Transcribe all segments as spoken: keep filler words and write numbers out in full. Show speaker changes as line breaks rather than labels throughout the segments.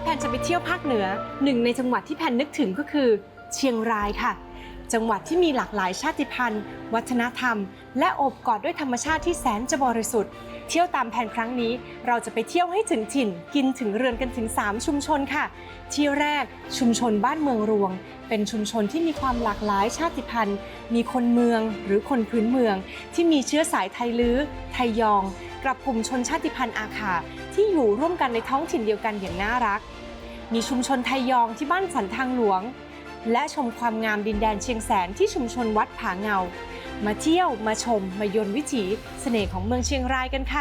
พนจะไปเที่ยวภาคเหนือหนึ่งในจังหวัดที่แพนนึกถึงก็คือเชียงรายค่ะจังหวัดที่มีหลากหลายชาติพันธุ์วัฒนธรรมและโอบกอดด้วยธรรมชาติที่แสนจะบริสุทธิ์เที่ยวตามแผนครั้งนี้เราจะไปเที่ยวให้ถึงถิ่นกินถึงเรือนกันถึงสามชุมชนค่ะที่แรกชุมชนบ้านเมืองรวงเป็นชุมชนที่มีความหลากหลายชาติพันธุ์มีคนเมืองหรือคนพื้นเมืองที่มีเชื้อสายไทลื้อไทยองกับกลุ่มชนชาติพันธุ์อาขาที่อยู่ร่วมกันในท้องถิ่นเดียวกันอย่างน่ารักมีชุมชนไทยองที่บ้านสันทางหลวงและชมความงามดินแดนเชียงแสนที่ชุมชนวัดผาเงามาเที่ยวมาชมมายนต์วิถีเสน่ห์ของเมืองเชียงรายกันค่ะ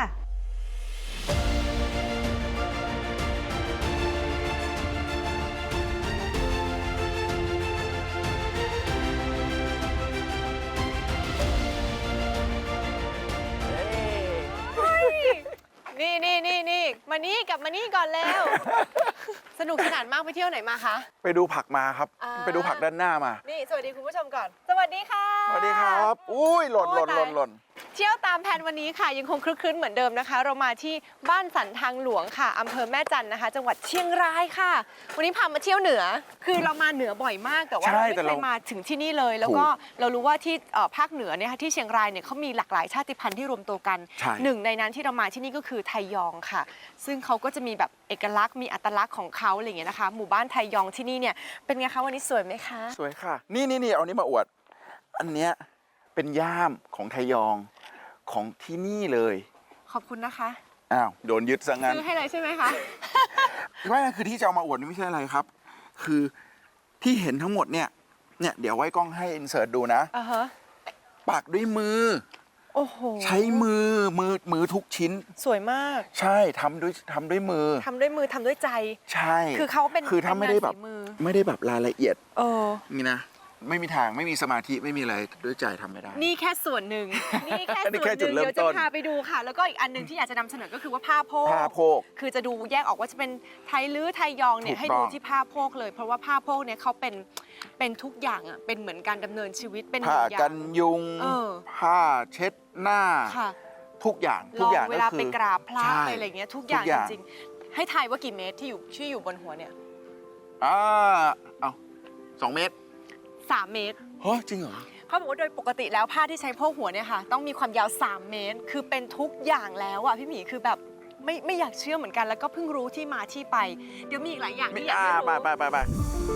นี่นี่นี่นี่มานี่กลับมานี่ก่อนแล้ว สนุกสนานมากไปเที่ยวไหนมาคะ
ไปดูผักมาครับไปดูผักด้านหน้ามา
นี่สวัสดีคุณผู้ชมก่อนสวัสดีค่ะ
สวัสดีครับอุ้ยหล่นหล่นหล่นหล่น
เที่ยวตามแผนวันนี้ค่ะยังคงคลึกคลื้นเหมือนเดิมนะคะเรามาที่บ้านสันทางหลวงค่ะอำเภอแม่จันนะคะจังหวัดเชียงรายค่ะวันนี้พามาเที่ยวเหนือคือเรามาเหนือบ่อยมากแต่ว่าเราไม่เคยมาถึงที่นี่เลยแล้วก็เรารู้ว่าที่ภาคเหนือเนี่ยที่เชียงรายเนี่ยเขามีหลากหลายชาติพันธุ์ที่รวมตัวกันหนึ่งในนั้นที่เรามาที่นี่ก็คือไทยองค่ะซึ่งเขาก็จะมีแบบเอกลักษณ์มีอัตลักษณ์ของเขาอะไรอย่างเงี้ยนะคะหมู่บ้านไทยองที่นี่เนี่ยเป็นไงคะวันนี้สวยไหมคะ
สวยค่ะนี่นี่นี่เอานี้มาอวดอันเนี้ยเป็นย่ามของไทยองของที่นี่เลย
ขอบคุณนะคะ
อ้าวโดนยึดซะงั้น
ซื้อให้เลยใช่ไหมคะ
ไม่คือที่จะเอามาอวดนี่ไม่ใช่อะไรครับคือที่เห็นทั้งหมดเนี่ยเนี่ยเดี๋ยวไว้กล้องให้อินเสิร์ตดูนะ
อ่าฮะ
ปักด้วยมือ
โอ้โห
ใช้มือมือมือทุกชิ้น
สวยมาก
ใช่ทำด้วยทำด้วยมือ
ทำด้วยมือทำด้วยใจ
ใช่
คือเขาเป็น
คือถ้าไม่ได้แบบไม่ได้แบบรายละเอียด
เออ
นี่นะไม่มีทางไม่มีสมาธิไม่มีอะไรด้วยใจทำไม่ได้
นี่แค่ส่วนหนึ่งนี่แค่ส่วนหนึ่งเดี๋ยวจะพาไปดูค่ะแล้วก็อีกอันหนึ่งที่อยากจะนำเสนอก็คือว่าผ้าโพก
ผ้าโพก
คือจะดูแยกออกว่าจะเป็นไทยลื้อไทยยองเนี่ยให้ดูที่ผ้าโพกเลยเพราะว่าผ้าโพกเนี่ยเขาเป็นเป็นทุกอย่างอ่ะเป็นเหมือนการดำเนินชีวิตเป็น
ผ้ากันยุงผ้าเช็ดหน้าทุกอย่างทุกอย่าง
เวลาไปกราบพระอะไรอย่างเงี้ยทุกอย่างจริงๆให้ทายว่ากี่เมตรที่อยู่ที่อยู่บนหัวเนี่ย
อ่าเอาสองเมตร
สามเมตร
เฮ้ยจริงเหรอ
เขาบอกว่าโดยปกติแล้วผ้าที่ใช้โพกหัวเนี่ยค่ะต้องมีความยาวสามเมตรคือเป็นทุกอย่างแล้วอ่ะพี่หมีคือแบบไม่ไม่อยากเชื่อเหมือนกันแล้วก็เพิ่งรู้ที่มาที่ไปเดี๋ยวมีอีกหลายอย่างที่อยากให้รู้
ไปไปไปไป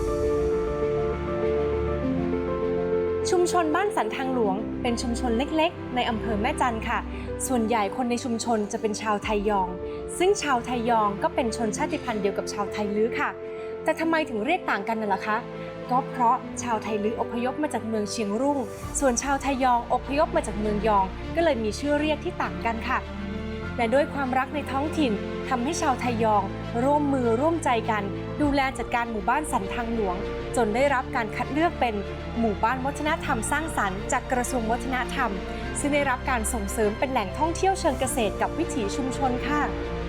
ชุมชนบ้านสันทางหลวงเป็นชุมชนเล็กๆในอำเภอแม่จันค่ะส่วนใหญ่คนในชุมชนจะเป็นชาวไทยองซึ่งชาวไทยองก็เป็นชนชาติพันธุ์เดียวกับชาวไทลื้อค่ะแต่ทำไมถึงเรียกต่างกันน่ะล่ะคะก็เพราะชาวไทลื้ออพยพมาจากเมืองเชียงรุ่งส่วนชาวไทยองอพยพมาจากเมืองยองก็เลยมีชื่อเรียกที่ต่างกันค่ะและด้วยความรักในท้องถิ่นทำให้ชาวไทยองร่วมมือร่วมใจกันดูแลจัดการหมู่บ้านสันทางหลวงจนได้รับการคัดเลือกเป็นหมู่บ้านวัฒนธรรมสร้างสรรค์จากกระทรวงวัฒนธรรมซึ่งได้รับการส่งเสริมเป็นแหล่งท่องเที่ยวเชิงเกษตรกับวิถีชุมชนค่ะ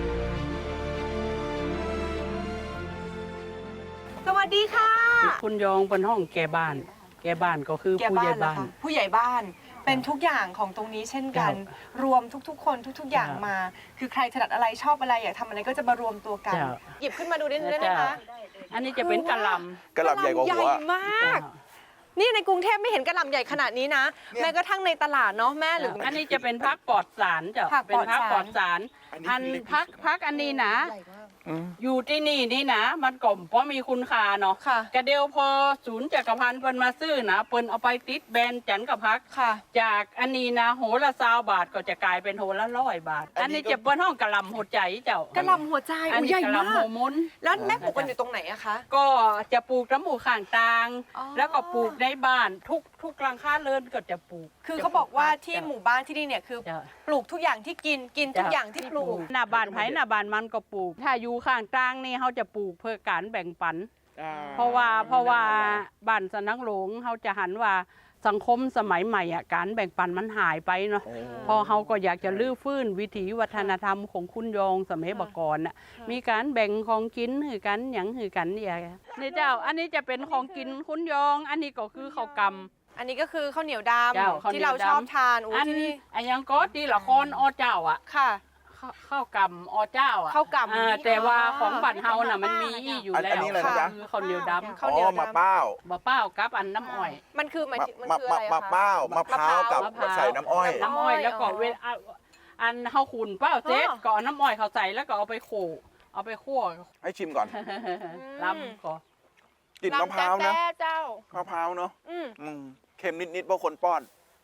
สวัสดีค่ะ
คุณยองเป็นห้องแก่บ้านแก่บ้านก็คือผู้ใหญ่บ้าน
ผู้ใหญ่บ้านเป็นทุกอย่างของตรงนี้เช่นกันรวมทุกๆคนทุกๆอย่างมาคือใครถนัดอะไรชอบอะไรอยากทำอะไรก็จะมารวมตัวกันหยิบขึ้นมาดูได้ไหมคะ
อันนี้จะเป็นกะหล่
ำกะหล่ำใหญ่กว่าหัว
มากนี่ในกรุงเทพไม่เห็นกะหล่ำใหญ่ขนาดนี้นะแม้กระทั่งในตลาดเนาะแม่หรือ
อันนี้จะเป็นพักปลอดสารจ้ะเป็นพักปลอดสารอันพักพักอันนี้นะอยู่ที่นี่นี่นะมันกลมเพราะมีคุณค่าเนาะกระเดียวพอศูนย์จักรพันธ์เปิ้นมาซื้อนะเปิ้นเอาไปติดแบรนด์จันกับพักจากอันนี้นะโหละซาวบาทก็จะกลายเป็นโหละร้อยบาทอันนี้จะเป็นห้องกะหล่ำหัวใจเจ้าก
ะหล่ำหัวใจ
อันนี้กะหล่ำหัวมุน
แล้วแม่ปลูกกันอยู่ตรงไหนอะคะ
ก็จะปลูกน้ำหมูข้างตางแล้วก็ปลูกในบ้านทุกทุกหลังคาเรือนก็จะปลูก
คือเขาบอกว่าที่หมู่บ้านที่นี่เนี่ยคือปลูกทุกอย่างที่กินกินทุกอย่างที่ปลูก
หน้าบ้านไผ่หน้าบ้านมันก็ปลูกถ้าอยู่ข้างกลางนี่เขาจะปลูกเพื่อการแบ่งปันเพราะว่าเพราะว่าบ้านสันนังหลงเขาจะหันว่าสังคมสมัยใหม่อ่ะการแบ่งปันมันหายไปเนาะพอเขาก็อยากจะลื้อฟื้นวิถีวัฒนธรรมของคุณยองสมัยบก่อนน่ะมีการแบ่งของกินหือกันหยังหือกันเนี่ยนี่เจ้าอันนี้จะเป็นของกินคุณยองอันนี้ก็คือข้าวกำ
อันนี้ก็คือข้าวเหนียวดำที่เราชอบทาน
อันนี้อันยังก็ที่ละครอเจ้าอ่ะ
ค่ะ
ขข้าวข้าวกำอเจ้าอ่ะ
ข้าวกำ
อ่าแต่ว่าของบ้านเฮาน่ะมันมีอยู่
อัน
แล้ว
อันนี้อะไรนะจ๊ะ
คือข้าวเหนียวดำ
ข้าวเหนียว
อ๋อ
ดำ
มะเป้า
บะเป้ากับอันน้ำอ้อย
มันคือหมาย
มะ
ถึงมัน
มะ
คืออะไร
มะ
อะ
มะ
คะ
เป้ามะพร้าวกับ
มะพร้าว
ใส่น้ำอ้อย
น้ำอ้อยแล้วก็
อ๋อ
เวลาอันเฮาขุนเป้าเจ็ด
อ๋อ
ก็เอาน้ำอ้อยเขาใส่แล้วก็เอาไปโขลกเอาไปคั่ว
ให้ชิมก่อน
ลำก็
กลิ่นมะพร้าวนะ
ลำแต๊ะเจ้าม
ะพร้าวเนาะ
อืม
อืมเค็มนิดๆเพราะคนป้อน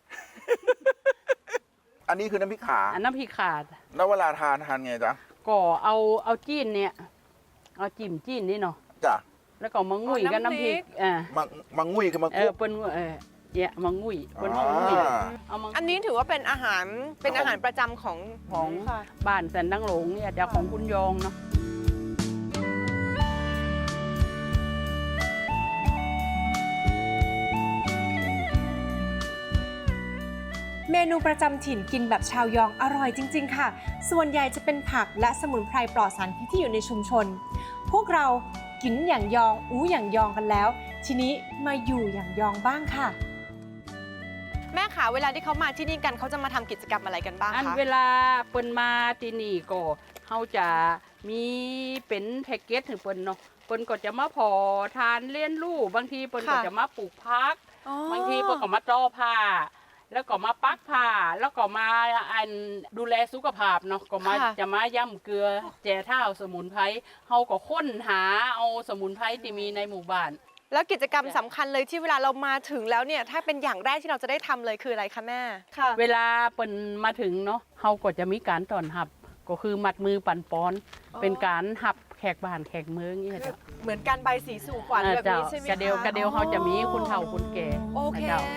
อันนี้คือน้ำพริกขา
อันน้ำพริกขาด
แล้วเวลาทานทานไงจ๊ะ
ก็เอาเอาจีนเนี่ยเอาจิ้มจีนนี่เนาะ
จ้ะ
แล้วก็มางุ่ยกับน้ำพริกอ่า
มังมังงุยคือมัง
เอ
คุ
อก เปิ้นเออเนี่ยมางุ่ยเปิ้นห้องงุ่ย
อ่า
เอามา
อันนี้ถือว่าเป็นอาหารเป็นอาหารประจำของ
ของ
ค่ะ
บ้านแสนดังหลงเนี่ยจะของคุณยองเนาะ
เมนูประจำถิ่นกินแบบชาวยองอร่อยจริง ๆ ค่ะ ส่วนใหญ่จะเป็นผักและสมุนไพรปลอดสารพิษที่อยู่ในชุมชน พวกเรากินอย่างยองอู้อย่างยองกันแล้ว ทีนี้มาอยู่อย่างยองบ้างค่ะ แม่ขาเวลาที่เขามาที่นี่กันเขาจะมาทำกิจกรรมอะไรกันบ้าง
อัน
คะ
เวลาเปิ้นมาที่นี่ก็เฮาจะมีเป็นแพ็กเกจถึงเปิ้นเนาะเปิ้นก็จะมาพอทานเลี้ยนลูกบางทีเปิ้นก็จะมาปลูกพัก บางทีเปิ้นก็มาต้อผ้า แล้วก็มาปักผ้า แล้วก็มาอันดูแลสุขภาพเนาะก็มาจะมาย่ำเกลือแจเท้าสมุนไพรเฮาก็ค้นหาเอาสมุนไพรที่มีในหมู่บ้าน
แล้วกิจกรรมสำคัญเลยที่เวลาเรามาถึงแล้วเนี่ยถ้าเป็นอย่างแรกที่เราจะได้ทำเลยคืออะไรคะแม่ค่ะ
เวลาเปิ้นมาถึงเนาะเฮาก็จะมีการต้อนรับ ก็คือมัดมือปั่นป้อน เป็นการหับแขกบ้านแขกเมืองนี่จ้ะ
เหมือนการใบสีสู่ขวัญแบบนี้ใช่ไหม
กระเดียวกระเดียวเขาจะมีคุณเฒ่าคุณแก่
โอเค
นะจ้า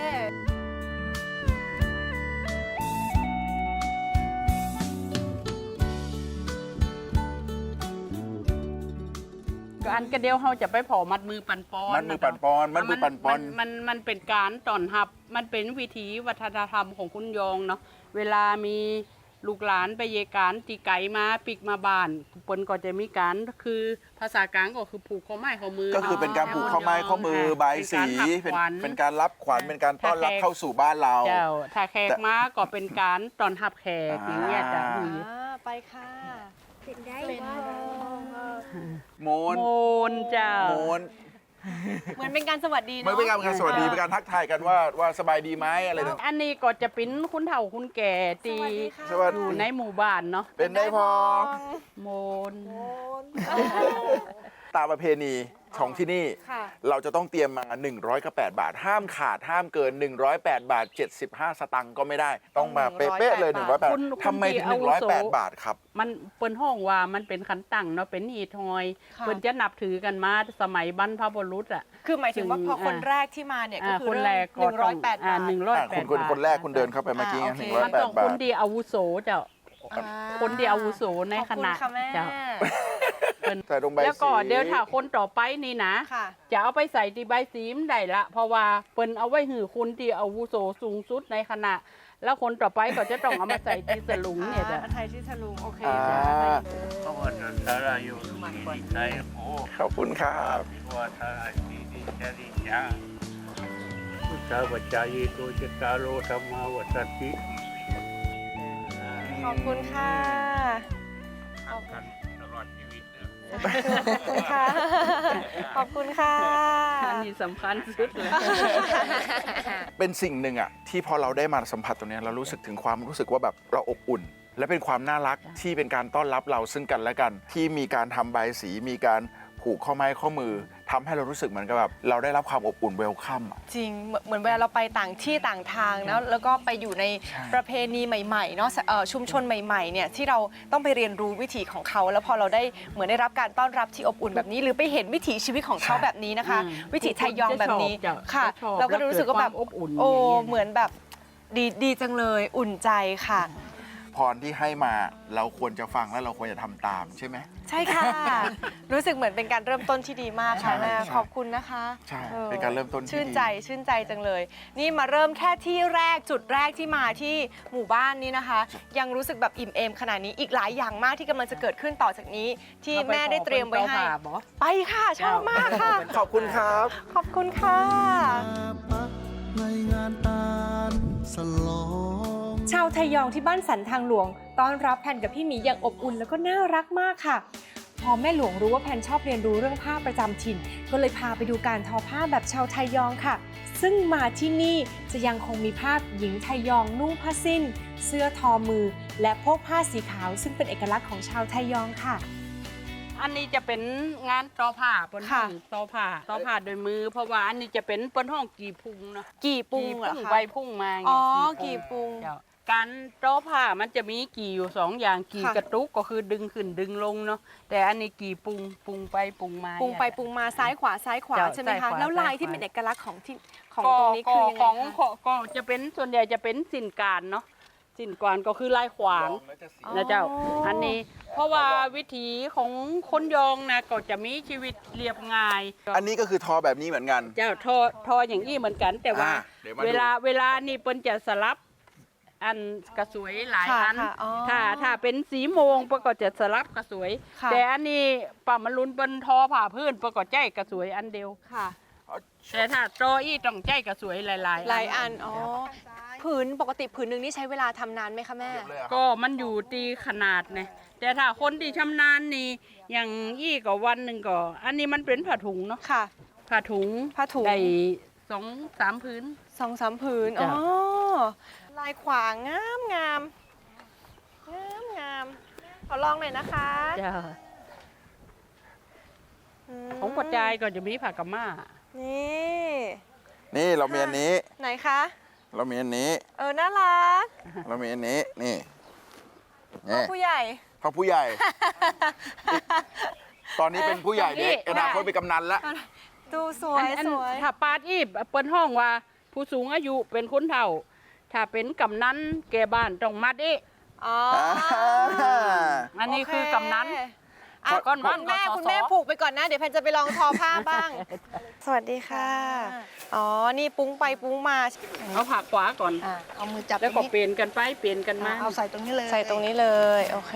ก็อันกระเดียวเขาจะไปเผามัดมือปั่นป้อน
มัดมือปั่นปอนมัดมือปั่นปอน
มันมันมันเป็นการต้อนรับ มันเป็นวิถีวัฒนธรรมของคุณยองเนาะเวลามีลูกหลานไปเยการตีไก่มาปิกมาบ้านเปิ้นก็จะมีการคือภาษากลางก็คือผูกข้อไม้ข้อมือ
ก็คือเป็นการผูกข้อไม้ข้อมือใบายสี
เป็นการหักขวัญ
เป็นการรับขวัญเป็นการต้อนรับเข้าสู่บ้านเรา
เจ้าถ้าแขกมาก็เป็นการต้อนรับแขกอย่างเงี้ยจ้ะ
อ่า
อืม
อ่าไปค่ะ
เป็นได้
เป็น
บ่
โมน
โมนเจ้า
โมน
เหมือนเป็นการสวัสดี
ไม่
เนาะ
เป็นการสวัสดีเป็นการทักทายกันว่าว่าสบายดีไหมอะไรต่าง
อันนี้ก็จะเป็นคุณเฒ่าคุณแก่ตี
สวัส
อ
ดี
ยู่ในหมู่บ้านเนาะ
เป็นได้พอ
โมน
ตามประเพณีของที่นี่
ค่ะ
เราจะต้องเตรียมมาหนึ่งร้อยกับแปดบาท ห้ามขาดห้ามเกินหนึ่งร้อยแปดบาทเจ็ดสิบห้าสตังค์ก็ไม่ได้ ต้องมาเป๊ะๆเลยหนึ่งร้อยแปด
คุณคุณ
ทำไมถึง
ที่
หนึ่งร้อย
อาวุ
แปด
โส
บาทครับ
มันเปิ้นห้องว่ามันเป็นขันตั้งเนาะเป็นอีทอย
ค่ะ
เปิ้นจะนับถือกันมาสมัยบรรพบุรุษอ่ะ
คือหมายถึงว่าพอคน
อ่า
แรกที่มาเนี่ยก็
อ่า
คือ
คน
เริ่
แร
ม
ก
หนึ่งร้อยแปด
อ่า
บาท
หนึ่งร้อย
อ่ะ
แป
คุณ
ด
คน
บาท
คนแรกคุณเดินเข้าไปเมื่อกี้
อ่าโอเค
หนึ่งร้อย
มัน
แปด
ต้อง
บา
ค
ท
นที่อาวุโสเจ้า
อ่า
คนที่อาวุโสในคณะ
ขอบคุณค่ะแม่
เจ้า
ใส่ลงใบ
แล้วก็
สี
เดี๋ยวถ้าคนต่อไปนี่นะ
ค่ะ
จะเอาไปใส่ที่ใบสีมได้ละ เพราะว่าเปิ้นเอาไว้หือคนที่อาวุโสสูงสุดในคณะ แล้วคนต่อไปก็จะต้องเอามาใส่ที่สลุงเนี่ยจ้ะ
อ่าไทยที่ฉลุงโอเค
อ่า
จ้ะ
เพราะว่าสารายุดีใจโอ้
ขอบคุณครับ
ว่าสาราดีดีจริยาพุทธวจายีโตจตารโลธรรมาวัตติ
ขอบคุณค่ะ
กันตลอดชีวิตนะ
ขอบคุณค่ะ ขอบคุณค่ะ
อันนี้สำคัญสุดเลย
เป็นสิ่งหนึ่งอะที่พอเราได้มาสัมผัสตรงเนี้ยเรารู้สึกถึงความรู้สึกว่าแบบเราอบอุ่น และเป็นความน่ารักที่เป็นการต้อนรับเราซึ่งกันและกัน ที่มีการทำใบสีมีการผูกข้อไม้ข้อมือทำให้เรารู้สึกเหมือนกับแบบเราได้รับความอบอุ่นเวลคัมอะ
จริงเหมือนเหมือนเวลาเราไปต่างที่ต่างทางนะแล้วก็ไปอยู่ใน
ใช่
ประเพณีใหม่ๆเนาะเอ่อชุมชนใหม่ๆเนี่ยที่เราต้องไปเรียนรู้วิถีของเขา แล้วพอเราได้เหมือนได้รับการต้อนรับที่อบอุ่นแบบนี้ หรือไปเห็นวิถีชีวิตของเขาแบบนี้นะคะ
อืม
วิถีไทยยองแบบนี้
จะชอบ
ค่ะ
จะชอบ
เราก็รู้สึกว่าแบบ
และเกิดความอบอุ่น
โอ้
อย่างเงี้ย
เหมือนแบบดีดีจังเลยอุ่นใจค่ะ
พรที่ให้มาเราควรจะฟังและเราควรจะทำตามใช่ไหม
ใช่ค่ะ รู้สึกเหมือนเป็นการเริ่มต้นที่ดีมากค่ะ
ใช่
แม่
ใช่
ขอบคุณนะคะ
ใช่
ออ
เป็นการเริ่มต้นที่
ชื่น
ดี
ใจชื่นใจจังเลย นี่มาเริ่มแค่ที่แรกจุดแรกที่มาที่หมู่บ้านนี้นะคะ ยังรู้สึกแบบอิ่มเอมขนาดนี้อีกหลายอย่างมากที่กำลังจะเกิดขึ้นต่อจากนี้ ที่แม่ได้เตรียมไว้ให้
เอาไปขอคนเจ้าภาพเหรอ
ไปค่ะชอบมากค่ะ
ขอบคุณครับ
ขอบคุณค่ะ
ในงานตาลสลอง
ชาวไทยองที่บ้านสันทางหลวงต้อนรับแพนกับพี่หมีอย่างอบอุ่นแล้วก็น่ารักมากค่ะพอแม่หลวงรู้ว่าแพนชอบเรียนรู้เรื่องผ้าประจำถิ่นก็เลยพาไปดูการทอผ้าแบบชาวไทยองค่ะซึ่งมาที่นี่จะยังคงมีภาพหญิงไทยองนุ่งผ้าสิ้น เสื้อทอมือ และพกผ้าสีขาวซึ่งเป็นเอกลักษณ์ของชาวไทยองค่ะ
อันนี้จะเป็นงานตอผ้าเปิ้นห้
ค่ะ
องตอผ้าตอผ้าโดยมือ เพราะว่าอันนี้จะเป็นเปิ้นห้องกี่พุงเนาะ
กี่ปุงเหรอ
กี่
คะ
ใบพุ่งมาไง
อ๋อ
กี่
กี่ปุง
เจ้าการตอผ้ามันจะมีกี่อยู่สองอย่างกี่
ค่ะ
กระตุกก็คือดึงขึ้นดึงลงเนาะแต่อันนี้กี่ปุงปุงไปปุงมา
ปุงไปปุงมาซ้ายขวาซ้ายขวา
เจ้า
ใช่ไหม
ซ้าย
คะ
ขวา
แล้วลาย
ซ้ายขวา
ที่เป็นเอกลักษณ์ของที่ของ
ก็
ตรงนี้คือยังไง
ของ
คะ
ก็จะเป็นส่วนใหญ่จะเป็นสินการเนาะสินการก็คือลายขวาง นะเจ้า อันนี้เพราะว่าวิถีของคนยองนะก็จะมีชีวิตเรียบง่าย
อันนี้ก็คือทอแบบนี้เหมือนกัน
เจ้าทอทออย่างนี้เหมือนกัน แต่ว่า
อ่าเดี๋ยวมาดู
เวลาเวลานี่เปิ้นจะสลับอันกระสวยหลาย
ค่ะ
อัน
ค่ะอ๋อ
ถ้าถ้าเป็นสีโมงเปิ้นก็จะสลับกระสวย
ค่ะ
แต่อันนี้ป่ามันลุนเปิ้นทอผ่าพื้นเปิ้นก็ใจกระสวยอันเดียว
ค่ะ
แต่ถ้าตออี้ต้องใจกระสวยหลายๆ
หลายอันอ๋อผืนปกติผืนหนึ่งนี่ใช้เวลาทำนานไหมคะแม่
ก็มันอยู่ตีขนาดเนี่ยแต่ถ้าคนที่ชำนาญนี่อย่างอี้ก็วันหนึ่งก็ อันนี้มันเป็นผ้าถุงเนาะ
ค่ะ
ผ้าถุง
ผ้าถุง
ได้สองสามพื้น
สองสามผืนอ๋
จ้ะ
อลายขวางงามงามงามงามขอลองหน่อยนะคะ
จ้า
ม
ของปัจจัยก็จะมีผักกะม่า
นี่
นี่เรามีอันนี้
ไหนคะ
เรามีอันนี้
เออน่ารัก
เรามีอันนี้ นี่
พ่อ
นี่
ผู้ใหญ่
พ่อผู้ใหญ่ ตอนนี้เป็นผู้ใหญ่เด็ก
นี่
อนาคตเป็นกำนันละ
ดูสวย
อัน
สวย
ถ้าปาดอีบเปิ้นห้องว่า ผู้สูงอายุเป็นคนเฒ่า ถ้าเป็นกำนันแก่บ้านต้องมัดอี
อ๋อ
อันนี้คือกำนัน
อ่ะ
ก้อน
คุ
วั
ณ
น
แม่
กสศ
คุณแม่ผูกไปก่อนนะ เดี๋ยวแพนจะไปลองทอผ้าบ้าง สวัสดีค่ะ อ๋อ นี่ปุ้งไปปุ้งมา
เอาผักขวาก่อน
อ่ะเอามือจับ
แล้ว
ต
ก็
รงนี้
เปลี่ยนกันไปเปลี่ยนกันมา
เอาใส่ตรงนี้เลย
ใส่ตรงนี้เลย โอเค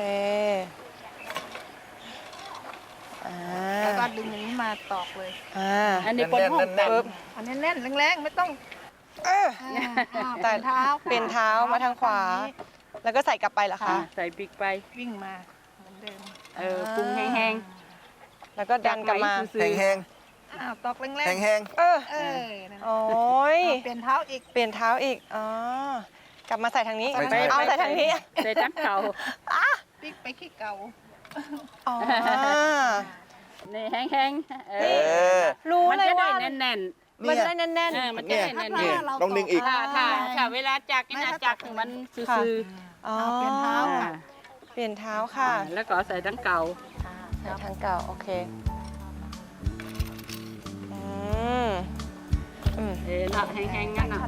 อ่า
แล้วก็ดึงอย่างนี้มาตอกเลย
อ่า
อันนี้เปิ้นห้อง
แน่นๆ
ปึ๊บ
อันนี้แน่นแรงๆไม่ต้อง
เออ
อ่า
แต่
เป็นเท้า
เป็นเท้ามาทางขวา แล้วก็ใส่กลับไปเหรอ
อ่า
คะ
ใส่ปีกไป
วิ่งมาเหมือนเดิม
เออปรุงแห้ง
แล้วก็ดันกลับมา
จากไหนซื้อ
แห้ง
อ้าวตอกแรง
แห้ง
ๆ
แห้ง
เออ
เออนั่น
โอ้ย
เอาเปลี่ยนเท้าอีก
เปลี่ยนเท้าอีก อ๋อ กลับมาใส่ทางนี้
ไม่ใช่
เอาใส่ทางนี้
ใส่จังเก่า
ปิ๊กไปขี้เก่า
อ๋อ
นี่แห้งๆเอ
เอ
อ
อ
รู้
มัน
เลย
จะได้
ว่า
แน่น
มันจะได้แน่น
ๆเออมันจะ
เนี่ย
ได้แน่น
นี่ต้องดึงอีก
ๆถ้าถ้าถ้าเวลาจักนี่นะจักถึงมันซื่อ
ๆอ๋อ
เอาเปลี่ยนเท้า
ๆ
ค่ะ
เปลี่ยนเท้าค่ะ
อ่าแล้วก็ใส่ทั้งเก่า
ใส่ทางเก่า โอเค อืม อืม
เออน่ะแห้งๆงั้นน่ะ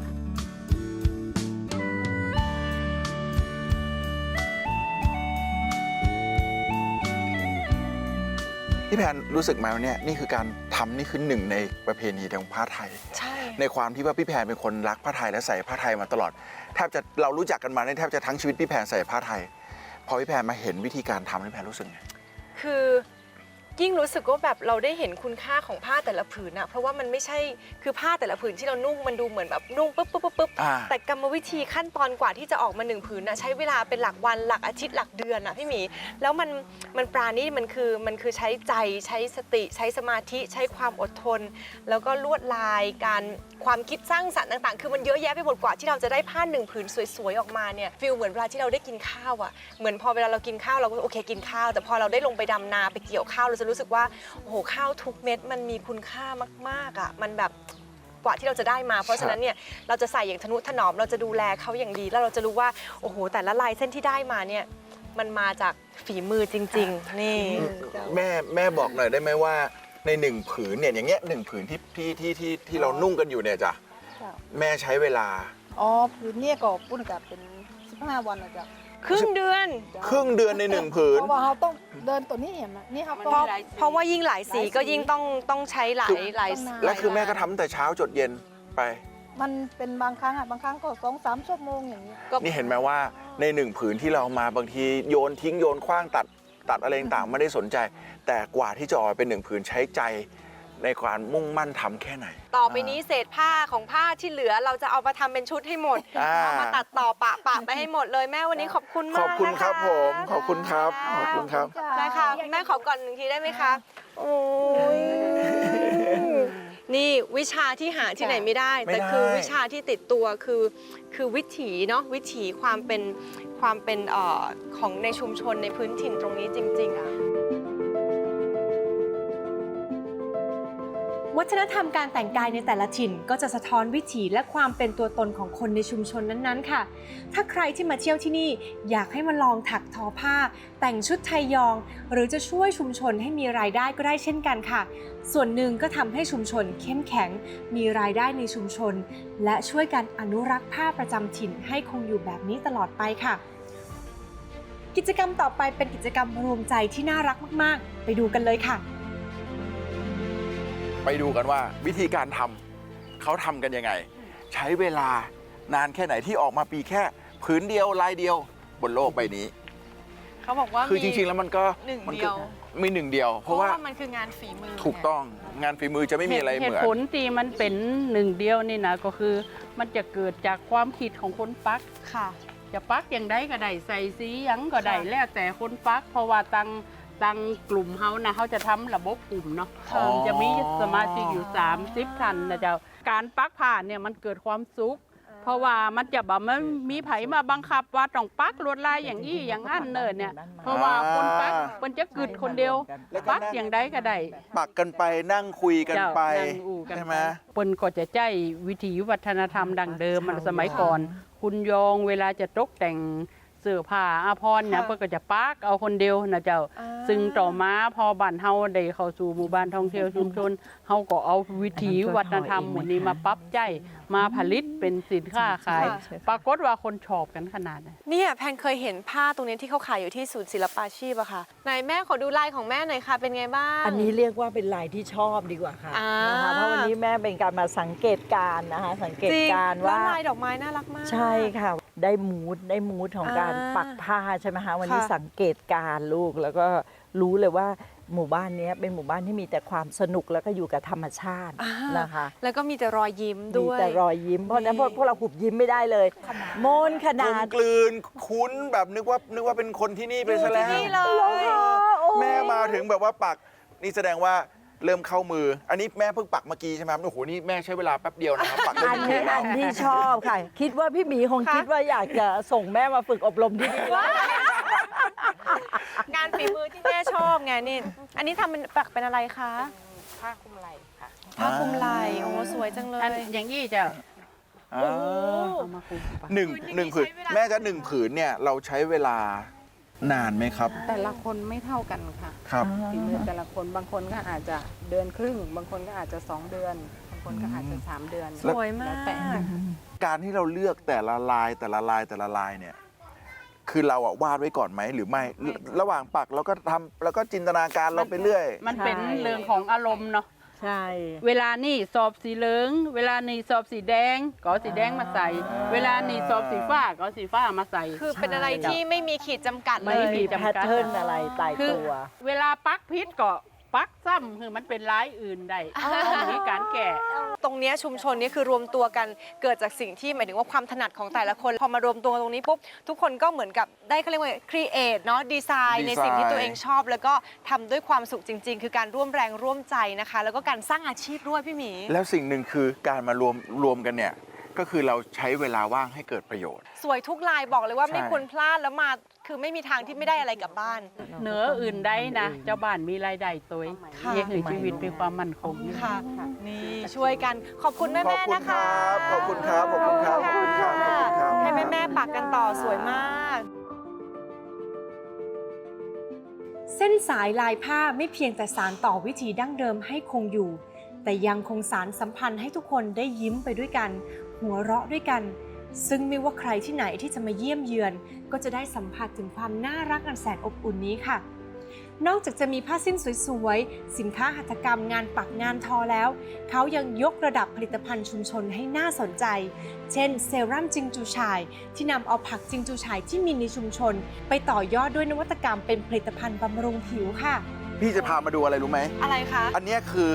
พี่แพนรู้สึกไหมว่าเนี่ยนี่คือการทำนี่คือหนึ่งในประเพณีของผ้าไทย
ใช่
ในความที่ว่าพี่แพนเป็นคนรักผ้าไทยและใส่ผ้าไทยมาตลอดแทบจะเรารู้จักกันมาเนี่ยแทบจะทั้งชีวิตพี่แพนใส่ผ้าไทย พอพี่แพนมาเห็นวิธีการทำพี่แพนรู้สึกไง
คือยิ่งรู้สึกว่าแบบเราได้เห็นคุณค่าของผ้าแต่ละผืนอะเพราะว่ามันไม่ใช่คือผ้าแต่ละผืนที่เรานุ่งมันดูเหมือนแบบนุ่งปุ๊บปุ๊บปุ๊บปุ๊บ
อ่า
แต่กรรมวิธีขั้นตอนกว่าที่จะออกมาหนึ่งผืนนะใช้เวลาเป็นหลักวันหลักอาทิตย์หลักเดือนอะพี่หมีแล้วมันมันปราณีตมันคือมันคือใช้ใจใช้สติใช้สมาธิใช้ความอดทน แล้วก็ลวดลายการความคิดสร้างสรรค์ต่างๆ คือมันเยอะแยะไปหมดกว่าที่เราจะได้ผ้าหนึ่งผืนสวยๆออกมาเนี่ยฟีลเหมือนเวลาที่เราได้กินข้าวอะเหมือนพอเวลาเรากินข้าวเราก็โอเคกินข้าวแต่พอเราได้ลงไปดำนาไปเกี่ยวข้าวเราจะรู้สึกว่าโอ้โหข้าวทุกเม็ดมันมีคุณค่ามากๆอะมันแบบกว่าที่เราจะได้มา เพราะฉะนั้นเนี่ยเราจะใส่อย่างทนุถนอมเราจะดูแลเขาอย่างดี แล้วเราจะรู้ว่าโอ้โหแต่ละลายเส้นที่ได้มาเนี่ยมันมาจากฝีมือจริง ๆ นี่
แม่แม่บอกหน่อยได้ไหมว่าในหนึ่งผืนเนี่ยอย่างเงี้ยหนึ่งผืนที่ที่ที่ที่ที่เรานุ่งกันอยู่เนี่ยจ้ะ
จ้ะ
แม่ใช้เวลา
อ๋อผืนเนี่ยก็ปุ้นกับเป็นสิบห้าวันนะจ๊ะ
ครึ่งเดือน
ครึ่งเดือนในหนึ่งผืน
เพราะว่าเราต้องเดินตัวนี้เห็นไหมนี่เขา
มัน
ก็
เพราะ
หลายสี
เพราะว่ายิ่งหลายสีก็ยิ่งต้องต้องใช้หลายหลาย
ต้องนาน
แล้วคือแม่ก็ทำตั้งแต่เช้าจดเย็นไป
มันเป็นบางครั้งอ่ะบางครั้งก็สองสามชั่วโมงอย่างนี้
นี่เห็นไหมว่าในหนึ่งผืนที่เรามาบางทีโยนทิ้งโยนคว้างตัดตัดอะไรต่างๆไม่ได้สนใจ แต่กว่าที่จะออกมาเป็นหนึ่งผืนใช้ใจในการมุ่งมั่นทำแค่ไหน
ต่อไปนี้เศษผ้าของผ้าที่เหลือเราจะเอามาทำเป็นชุดให้หมด
อ่า
เอามาตัดต่อปะปะไปให้หมดเลยแม่วันนี้ขอบคุณ
ข
มาก
อบคุณครับ
นะะ
ผมขอบคุณครับขอบคุณครับ
ได้ค่ะคุณแม่ขอก่อนหนึ่งทีได้ไหมคะโอ้ยนี่วิชาที่หาที่ไหนไม่ได้
ไม่
แต่
ได้
คือวิชาที่ติดตัวคือคือวิถีเนาะวิถีความเป็นความเป็นเอ่อของในชุมชนในพื้นถิ่นตรงนี้จริงๆอะวัฒนธรรมการแต่งกายในแต่ละถิ่นก็จะสะท้อนวิถีและความเป็นตัวตนของคนในชุมชนนั้นๆค่ะ ถ้าใครที่มาเที่ยวที่นี่อยากให้มาลองถักทอผ้า แต่งชุดไทยยอง หรือจะช่วยชุมชนให้มีรายได้ก็ได้เช่นกันค่ะ ส่วนหนึ่งก็ทำให้ชุมชนเข้มแข็ง มีรายได้ในชุมชน และช่วยกันอนุรักษ์ผ้าประจำถิ่นให้คงอยู่แบบนี้ตลอดไปค่ะ กิจกรรมต่อไปเป็นกิจกรรมรวมใจที่น่ารักมากๆ ไปดูกันเลยค่ะ
ไปดูกันว่าวิธีการทำเขาทำกันยังไง ใช้เวลานานแค่ไหนที่ออกมาปีแค่ผืนเดียวลายเดียวบนโลกใบนี้
เขาบอกว่า
คือจริงๆ แล้วมันก็
หนึ่ง
มั
เดียว
มีหนึ่งเดียว เพ
เพ
ราะ
ราะ
ว่า
ว่ามันคืองานฝีมือ
ถูกต้องงานฝีมือจะไม่มีอะไรเห
เห
มื
ตุ
อน
ผลที่มันเป็นหนึ่งเดียวนี่นะก็คือมันจะเกิดจากความคิดของคนปัก
ค่ะ
จะปักอย่างใดก็ได้ใส่สีหยังก็ได้
ค่ะ
แล้วแต่คนปัก เพราะว่าตังตังกลุ่มเขานะเขาจะทำระบบกลุ่มเนาะ
อ๋อ
จะมีสมาชิกอยู่สามสิบท่านนะเจ้าการปักผ่านเนี่ยมันเกิดความสุข เพราะว่ามันจะแบบมันมีไผมาบังคับว่าต้องปักลวดลายอย่างนี้อย่างนั้นเนินเนี่ย เพราะว่าคนปักมันจะกึดคนเดียว ปักอย่างใดก็ได้
ปักกันไปนั่งคุยกันไป
เจ้านั่งอู้กัน
ใช่ไหม
เปิ้นก็จะใจวิถีวัฒนธรรมดั้งเดิมมันสมัยก่อน คุณยองเวลาจะตกแต่งเสื้อผ้าอาภรณ์เนี่ย
ค่ะ
เปิ้นก็จะปักเอาคนเดียวนะเจ้า
อ่า
ซึ่งต่อมาพอบ้านเฮาได้เข้าสู่หมู่บ้านท่องเที่ยวชุมชนเฮาก็เอาวิถีวัฒนธรรมหมู่นี้มาปรับใจมาผลิตเป็นสินค้าขาย ปรากฏว่าคนชอบกันขนาดนั้น
เนี่ยแพนเคยเห็นผ้าตรงนี้ที่เขาขายอยู่ที่ศูนย์ศิลปาชีพอะค่ะไหนแม่ขอดูลายของแม่หน่อยค่ะ เป็นไงบ้าง
อันนี้เรียกว่าเป็นลายที่ชอบดีกว่าค่ะ
อ่า
นะคะเพราะวันนี้แม่เป็นการมาสังเกตการณ์นะคะสังเกต
จริง
การณ์
แล้ว
ว่า
ลายดอกไม้น่ารักมาก
ใช่ค่ะ ได้มูดได้มูดของการ
อ่า
ปักผ้าใช่ไหมคะวันนี้
ค่ะ
สังเกตการณ์ลูกแล้วก็รู้เลยว่าหมู่บ้านนี้เป็นหมู่บ้านที่มีแต่ความสนุกแล้วก็อยู่กับธรรมชาติ
อ่า
นะคะ
แล้วก็มีแต่รอยยิ้ม
มี
ด้วย
แต่รอยยิ้มเพราะฉะนั้นพวก
นี่
พวกเราหุบยิ้มไม่ได้เลยโมนข
กล
นาด
มกลืนคุ้นแบบนึกว่านึกว่าเป็นคนที่นี่ไปซะแล้ว
นี่เลย
แม่มาถึงแบบว่าปักนี่แสดงว่าเริ่มเข้ามือ อันนี้แม่เพิ่งปักเมื่อกี้ใช่ไหมครับโอ้โหนี่แม่ใช้เวลาแป๊บเดียวนะครับปักได้
อัน
หนึ่ง
นี้
แล้
อั
วน
ที่ชอบค่ะ คิดว่าพี่หมีคง
ค่ะ
คิดว่าอยากจะส่งแม่มาฝึกอบรมที่นี่
งานฝีมือที่แม่ชอบไงนี่ อันนี้ทำเป็นปักเป็นอะไรคะ
ผ้าคลุมไหล่ค่ะ
ผ้าคลุมไหล่โอ้สวยจังเล
อัน
ย
อย่างนี้เจ้า
อ่า
เอามาคลุมไป
หนึ่งหนึ่งผืนแม่จะหนึ่งผืนเนี่ยเราใช้เวลานานไหมครับ
แต่ละคนไม่เท่ากันค่ะ
ครับ
ฝีมือแต่ละคนบางคนก็อาจจะเดือนครึ่ง บางคนก็อาจจะสองเดือน บางคนก็อาจจะสามเดือน
สวยมา
แล้วแต่
ก
การที่เราเลือกแต่ละลายแต่ละลายแต่ละลายเนี่ย คือเราอะวาดไว้ก่อนไหมหรือไม่ ระหว่างปักเราก็ทำแล้วก็จินตนาการเราไปเรื่อย
มันเป็นเรื่องของอารมณ์เนาะ
ใช่
เวลานี่สอบสีเหลือง เวลานี่สอบสีแดง ก็เอาสีแดงมาใส่ เวลานี่สอบสีฟ้าก็เอาสีฟ้ามาใส่
คือเป็นอะไรที่ไม่มีขีดจำกัดเล
ไม่
ย
มีแพทเทิร์นอะไรตาย
คือ
ตัว
เวลาปักพิษก็ปักซ้ำคือมันเป็นร้ายอื่นได้ต้องมีการแก่
ตรงเนี้ยชุมชนนี้คือรวมตัวกันเกิดจากสิ่งที่หมายถึงว่าความถนัดของแต่ละคน พอมารวมตัวตรงนี้ปุ๊บทุกคนก็เหมือนกับได้เขาเรียกว่าครีเอทเนาะดีไซน์ในสิ่งที่ตัวเองชอบ แล้วก็ทำด้วยความสุขจริง ๆ คือการร่วมแรงร่วมใจนะคะ แล้วก็การสร้างอาชีพด้วยพี่หมี
ๆ แล้วสิ่งหนึ่งคือการมารวมรวมกันเนี่ย ก็คือเราใช้เวลาว่างให้เกิดประโยชน์
สวยทุกลายบอกเลยว่า
ใช่
ไม่ควรพลาดแล้วมาคือไม่มีทางที่ไม่ได้อะไรกลับบ้าน
เหนืออื่นได้นะ เจ้าบ้านมีรายได้ตัว
ค่ะ
เลี้ยงให้ชีวิตมีความมั่นคง
ค่ะนี่ช่วยกันขอบคุณแม่
ขอบ
แม่
คุณ
นะ
ค
คะ
รับ ขอบคุณครับ ขอบคุณครับ ขอบคุณครับ ขอบคุณครับ
ให้แม่แม่ปักกันต่อสวยมาก เส้นสายลายผ้าไม่เพียงแต่สานต่อวิถีดั้งเดิมให้คงอยู่ แต่ยังคงสารสัมพันธ์ให้ทุกคนได้ยิ้มไปด้วยกัน หัวเราะด้วยกัน ซึ่งไม่ว่าใครที่ไหนที่จะมาเยี่ยมเยือน ก็จะได้สัมผัสถึงความน่ารักอันแสนอบอุ่นนี้ค่ะ นอกจากจะมีผ้าสิ้นสวยๆ สินค้าหัตถกรรมงานปักงานทอแล้ว เขายังยกระดับผลิตภัณฑ์ชุมชนให้น่าสนใจ เช่นเซรั่มจิงจูฉ่าย ที่นำเอาผักจิงจูฉ่ายที่มีในชุมชน ไปต่อยอดด้วยนวัตกรรมเป็นผลิตภัณฑ์บำรุงผิวค่ะ
พี่จะพามาดูอะไรรู้ไหม
อะไรคะ
อันเนี้ยคือ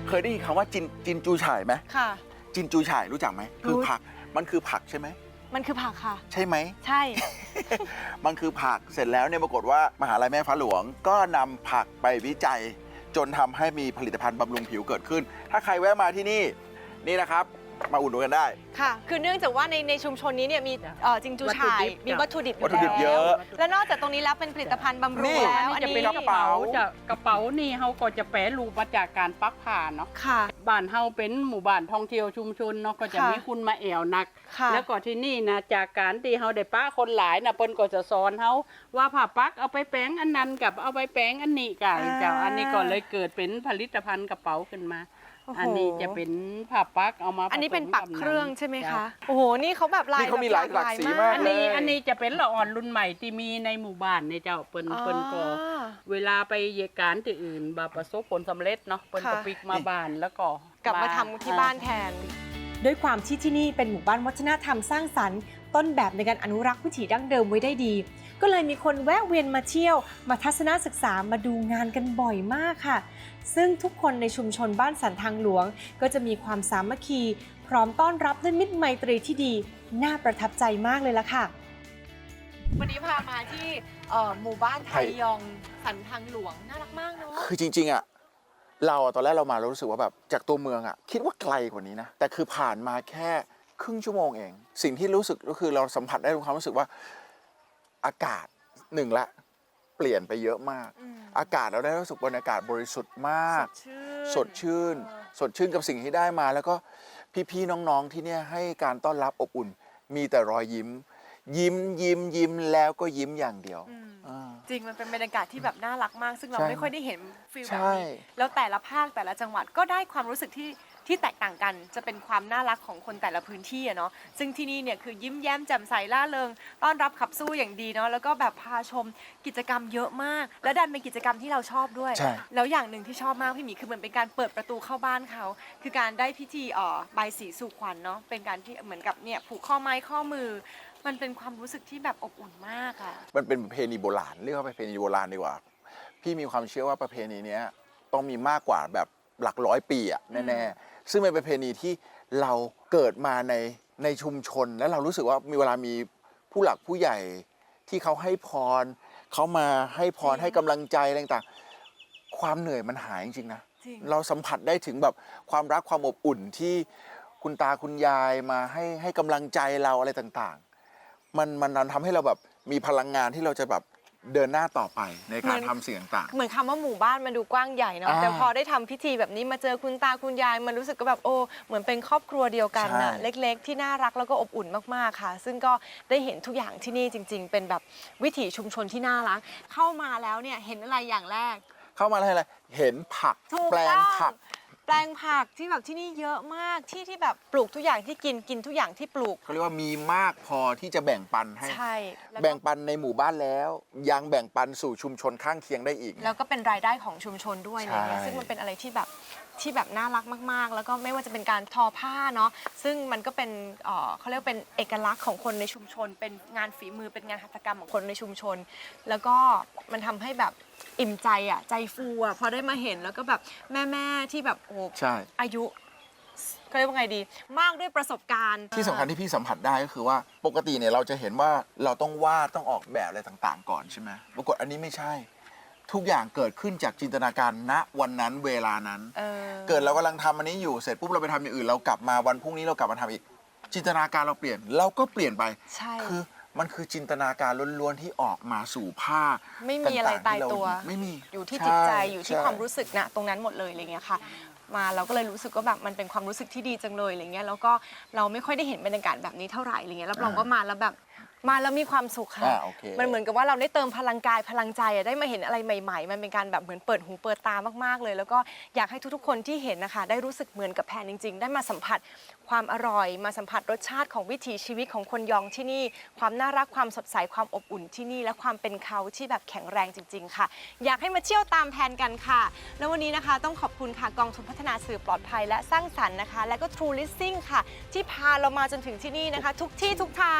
เคยได้ยินคำว่าจินจินจูฉ่ายไหม
ค่ะ
จินจูฉ่ายรู้จักไหมคือ
รู้
ผักมันคือผักใช่ไหม
มันคือผักค่ะ
ใช่ไหม
ใช่
มันคือผักเสร็จแล้วเนี่ยปรากฏว่ามหาลัยแม่ฟ้าหลวงก็นำผักไปวิจัย จนทำให้มีผลิตภัณฑ์บำรุงผิวเกิดขึ้น ถ้าใครแวะมาที่นี่นี่นะครับ มาอุดหนุนกันได้
ค่ะ คือเนื่องจากว่าในในชุมชนนี้เนี่ยมีเอ่อจิงจูฉ่าย มีวัตถุดิบอ
วัตถุดิบเย
แล้ว
อะ
และนอกจากตรงนี้แล้วเป็นผลิตภัณฑ์บำรุ
นี่
งแล้ว
อั
อั
น
น
นี้จะ
นี้
เป็นกระเป๋าจะกระเป๋านี่เขาก็จะแปรรูปมาจากการปักผ้าเนาะ
ค่ะ
บ้านเฮาเป็นหมู่บ้านท่องเที่ยวชุมชนเนาะก็จะ
ค่ะ
มีคุณมาแอวนัก
ค่ะ
แล้วก็ที่นี่นะจากการที่เฮาได้ป้าคนหลายนะเปิ้นก็จะสอนเฮาว่าผ้าปักเอาไปแปลงอันนั้นกับเอาไปแปลงอันนี้กันเจ้าอันนี้ก็เลยเกิดเป็นผลิตภัณฑ์กระเป๋าขึ้นมา
โอ้โห
อันนี้จะเป็นผ้าปักเอามา
อันนี้เป็นปัก
ผสมบ
เครื่องใช่ไหม
จ้
คะ โอ้โห นี่เขาแบบลาย
นี่เขามีหลาย
แบบ
หลากสีมาก
อันนี้อันนี้จะเป็นละอ่อนรุ่นใหม่ที่มีในหมู่บ้านในเจ้าเปิ้นเปิ้นก็
อ๋อ
เวลาไปเหตุการณ์ที่อื่นบาประสบผลสำเร็จเนาะเปิ้นก็
ค่ะ
ปิกมาบ้านแล้วก็
กลับมาทำที่บ้านแทน ด้วยความที่ที่นี่เป็นหมู่บ้านวัฒนธรรมสร้างสรรค์ต้นแบบในการอนุรักษ์วิถีดั้งเดิมไว้ได้ดี ก็เลยมีคนแวะเวียนมาเที่ยว มาทัศนศึกษามาดูงานกันบ่อยมากค่ะ ซึ่งทุกคนในชุมชนบ้านสันทางหลวง ก็จะมีความสามัคคี พร้อมต้อนรับด้วยมิตรไมตรีที่ดี น่าประทับใจมากเลยล่ะค่ะ วันนี้พามาที่หมู่บ้านไทยองสันทางหลวงน่ารักมากเนาะ
คือจริงๆอ่ะเราอะตอนแรกเรามาเรารู้สึกว่าแบบจากตัวเมืองอ่ะคิดว่าไกลกว่านี้นะแต่คือผ่านมาแค่ครึ่งชั่วโมงเอง สิ่งที่รู้สึกก็คือเราสัมผัสได้ถึงความรู้สึกว่าอากาศหนึ่งละเปลี่ยนไปเยอะมาก
อืม
อากาศเราได้รู้สึกบรรยากาศบริสุทธิ์มาก สดชื่น
เออ
สดชื่นกับสิ่งที่ได้มา แล้วก็พี่ๆน้องๆที่เนี่ยให้การต้อนรับอบอุ่น มีแต่รอยยิ้ม ยิ้มยิ้มยิ้มแล้วก็ยิ้มอย่างเดียว
อืม
อ่า
จริงมันเป็นบรรยากาศที่แบบน่ารักมาก ซึ่งเรา
ใช่
ไม่ค่อยได้เห็นฟิล
ใช่
แบบนี้แล้วแต่ละภาคแต่ละจังหวัดก็ได้ความรู้สึกที่ที่แตกต่างกัน จะเป็นความน่ารักของคนแต่ละพื้นที่อะเนาะซึ่งที่นี่เนี่ยคือยิ้มแย้มแจ่มใสล่าเริงต้อนรับขับสู้อย่างดีเนาะแล้วก็แบบพาชมกิจกรรมเยอะมาก และดันเป็นกิจกรรมที่เราชอบด้วย
ใช่
แล้วอย่างหนึ่งที่ชอบมากพี่หมีคือเหมือนเป็นการเปิดประตูเข้าบ้านเขาคือการได้พิธีเอ่อใบายสีสู่ขวัญเนาะเป็นการที่เหมือนกับเนี่ยผูกข้อไม้ข้อมือ มันเป็นความรู้สึกที่แบบอบอุ่นมากอะ
มันเป็นประเพณีโบราณเรียกว่าประเพณีโบราณดีกว่า พี่มีความเชื่อว่าประเพณีเนี้ยต้องมีมากกว่าแบบหลักร้อยปีอะแน่ๆซึ่งเป็นประเพณีที่เราเกิดมาในในชุมชน และเรารู้สึกว่ามีเวลามีผู้หลักผู้ใหญ่ที่เขาให้พรเขามาให้พรให้กำลังใจอะไรต่างๆความเหนื่อยมันหายจริงๆนะ
จริง
เราสัมผัสได้ถึงแบบความรักความอบอุ่นที่คุณตาคุณยายมาให้ให้กำลังใจเราอะไรต่างๆ มันมันทำให้เราแบบมีพลังงานที่เราจะแบบเดินหน้าต่อไปในการทำสิ่งต่าง
เหมือนคำว่าหมู่บ้านมันดูกว้างใหญ่เนาะ
อ่า
แต่พอได้ทำพิธีแบบนี้มาเจอคุณตาคุณยายมันรู้สึกก็แบบโอ้เหมือนเป็นครอบครัวเดียวกันน่ะ
ใช่
เล็กๆ ที่น่ารักแล้วก็อบอุ่นมากๆค่ะ ซึ่งก็ได้เห็นทุกอย่างที่นี่จริง ๆ เป็นแบบวิถีชุมชนที่น่ารัก เข้ามาแล้วเนี่ยเห็นอะไรอย่างแรก
ๆ เข้ามาอะไรอะไรเห็นผัก
ถูก
แปลง
ต้อง
ผัก
แปลงผักที่แบบที่นี่เยอะมากที่ที่แบบปลูกทุกอย่างที่กินกินทุกอย่างที่ปลูก
เขาเรียกว่ามีมากพอที่จะแบ่งปันให้
ใช่ล้วก็
แบ่งปันในหมู่บ้านแล้ว ยังแบ่งปันสู่ชุมชนข้างเคียงได้อีก
แล้วก็เป็นรายได้ของชุมชนด้วยอะไรเงี้ย
ใช่
ซึ่งมันเป็นอะไรที่แบบที่แบบน่ารักมากๆ แล้วก็ไม่ว่าจะเป็นการทอผ้าเนาะซึ่งมันก็เป็นเอ่อเขาเรียกว่าเป็นเอกลักษณ์ของคนในชุมชน เป็นงานฝีมือเป็นงานหัตถกรรมของคนในชุมชน แล้วก็มันทำให้แบบอิ่มใจอ่ะใจฟูอ่ะพอได้มาเห็นแล้วก็แบบแม่ๆที่แบบโอ้
ใช่
อายุเขาเรียกว่าไงดี มากด้วยประสบการณ์
ที่สำคัญที่พี่สัมผัสได้ก็คือว่าปกติเนี่ยเราจะเห็นว่าเราต้องวาดต้องออกแบบอะไรต่างๆ ก่อนใช่ไหมปรากฏอันนี้ไม่ใช่ ทุกอย่างเกิดขึ้นจากจินตนาการณวันนั้นเวลานั้น
เออ
เกิดเรากำลังทำอันนี้อยู่เสร็จปุ๊บเราไปทำอย่างอื่นเรากลับมาวันพรุ่งนี้เรากลับมาทำอีก จินตนาการเราเปลี่ยนเราก็เปลี่ยนไป
ใช่
คือมันคือจินตนาการล้วนๆที่ออกมาสู่ผ้า
ไม่มีอะไร
งๆ
ตาย
ที่เร
ตัว
ไม่มี
อยู่ที่
ช่
จิตใจอยู่ที่
ช่
ความรู้สึกนะตรงนั้นหมดเลยอะไรเงี้ยค่ะ มาเราก็เลยรู้สึกว่าแบบมันเป็นความรู้สึกที่ดีจังเลยอะไรเงี้ยแล้วก็เราไม่ค่อยได้เห็นบรรยากาศแบบนี้เท่าไหร่อะไรเงี้ยรับรองว่ามาแล้วแบบมาแล้วมีความสุขค่ะ
อ่าโอเค
มันเหมือนกับว่าเราได้เติมพลังกายพลังใจอะได้มาเห็นอะไรใหม่ๆ มันเป็นการแบบเหมือนเปิดหูเปิดตามากๆเลย แล้วก็อยากให้ทุกๆคนที่เห็นนะคะได้รู้สึกเหมือนกับแพนจริง ๆ ได้มาสัมผัสความอร่อย มาสัมผัสรสชาติของวิถีชีวิตของคนยองที่นี่ ความน่ารักความสดใสความอบอุ่นที่นี่และความเป็นเขาที่แบบแข็งแรงจริง ๆ ค่ะ อยากให้มาเที่ยวตามแพนกันค่ะ แล้ววันนี้นะคะต้องขอบคุณค่ะกองทุนพัฒนาสื่อปลอดภัยและสร้างสรรค์นะคะ และก็ True Listing ค่ะ ที่พาเรามาจนถึงที่นี่นะคะ ทุกที่ทุกทาง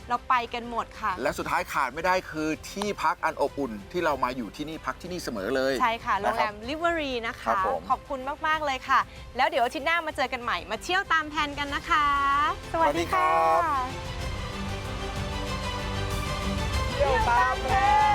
เราไปกันหมดค่ะ
และสุดท้ายขาดไม่ได้คือที่พักอันอบอุ่นที่เรามาอยู่ที่นี่พักที่นี่เสมอเลย
ใช่ค่ะ โรงแรม
นะ
ลิเวอรีนะ
ครั
คะ
บผม
ขอบคุณมาก ๆ เลยค่ะ แล้วเดี๋ยวอาทิตย์หน้ามาเจอกันใหม่ มาเที่ยวตามแผนกันนะคะ สวัสดีค่ะ
เที่ยวตามแผน